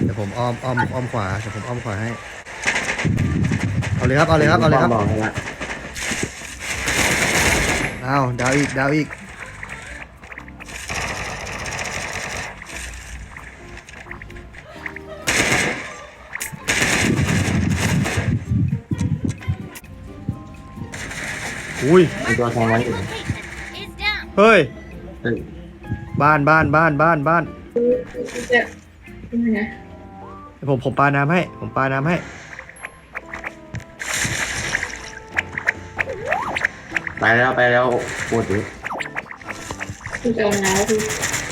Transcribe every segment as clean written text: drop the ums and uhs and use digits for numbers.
เดี๋ยวผมอ้อมขวาเดี๋ยวผมอ้อมขวาให้เอาเลยครับเอาเลยครับเอาเลยครับบอกให้ละอ้าวดาวอีกดาวอีกอุ้ยมีตัวแทงไว้อยู่ Is down. เฮ้ยเฮ้ยบ้านบ้านบ้านบ้านบ้านจะยังไงเดี๋ยวผมปาน้ำให้ผมปาน้ำให้ไปแล้วโอ้โหคุณจะเอาน้ำคือ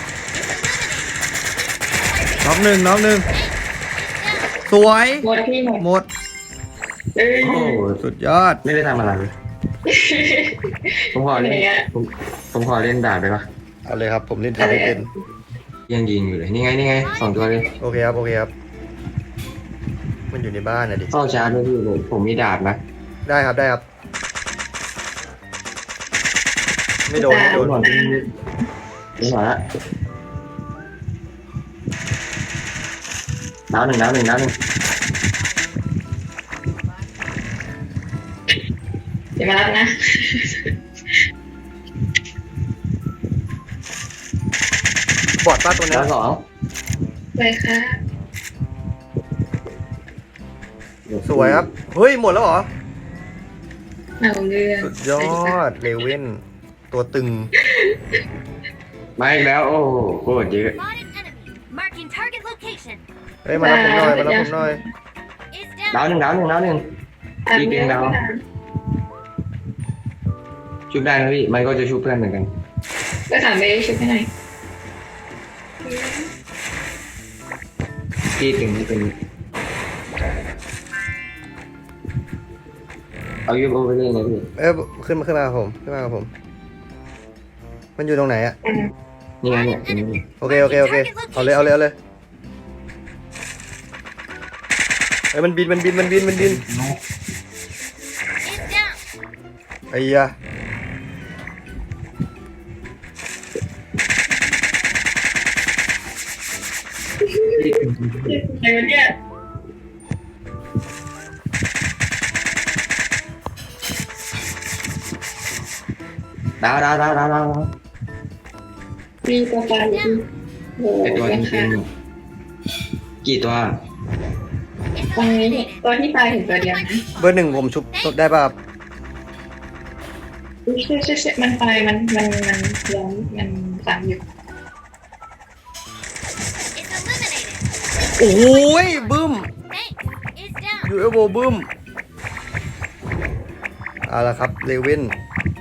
น็อกหนึ่งน็อกหนึ่งสวยหมดพี่หมดหมดเอ้ยโอ้โหสุดยอดไม่ได้ทำอะไรเลยผมขอเล่นผมขอเล่นดาบได้ปะเอาเลยครับผมเล่นทำไม่เป็นยังยิงอยู่เลยนี่ไง2 ตัวเลยโอเคครับโอเคครับมันอยู่ในบ้านนะดิเข้าชาร์จด้วยพี่ผมมีดาบนะได้ครับได้ครับไม่โดนไม่โดนหมดนี่หมดละดาวหนึ่งเดี๋ยวมารับนะบอดป้าตัวนี้ดาวสองไปค่ะสวยครับเฮ้ยหมดแล้วเหรอเอาเรื่องสุดยอดเลเว่นตัวตึงมาอีกแล้วโอ้โหโคตรเยอะ Spotted enemy. Marking target location. เฮ้ยมารับผมหน่อยมารับผมหน่อย Is ดาว down. หนึ่งตามอีกหนึ่งดาว ชุบได้นะพี่มันก็จะชุบเพื่อนเหมือนกันก็ถามไปชุดให้หน่อยพี่ถึงนี่เป็นเอายูโอไปเล่นนะพี่ขึ้นมากับผมขึ้นมากับผม มันอยู่ตรงไหนอะนี่ไงเนี่ยตรงนี้โอเคโอเคโอเคเอาเลยเอาเลยเอาเลยเฮ้ยมันบิน Is down. ไอ้ยะไอ้วันเนี้ยดาวมีตัวปลาอยู่โอ้โหไอตัวราจริคางๆกี่ตัว Is ตรงนี้ eliminated. ตัวที่ตายเห็นตัวเดียวนะเบอร์หนึ่งผมชุบได้ป่ะครับใช่มันตายมันย้อมมันซ้ำอยู่ Is eliminated. โอ้ยบึ้ม Thanks. Is down. ยูเอฟโอบึ้มเอาละครับเลเว่น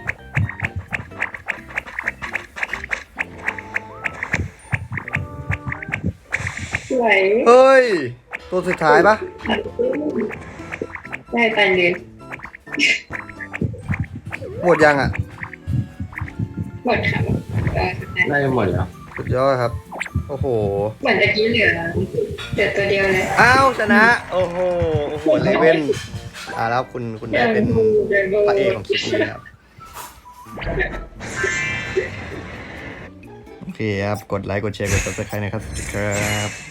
สวยเฮ้ยตัวสุดท้ายปะได้ตายเลยหมดยังอ่ะหมดค่ะสุดท้ายน่าจะหมดแล้วสุดยอดครับโอ้โหเหมือนตะกี้เหลือตัวเดียวเลยอ้าวชนะโอ้โหเลเว่นแล้วคุณได้เป็นพระเอกของคลิปนี้ครับโอเคครับกดไลค์กดแชร์กด subscribe นะครับสวัสดีครับ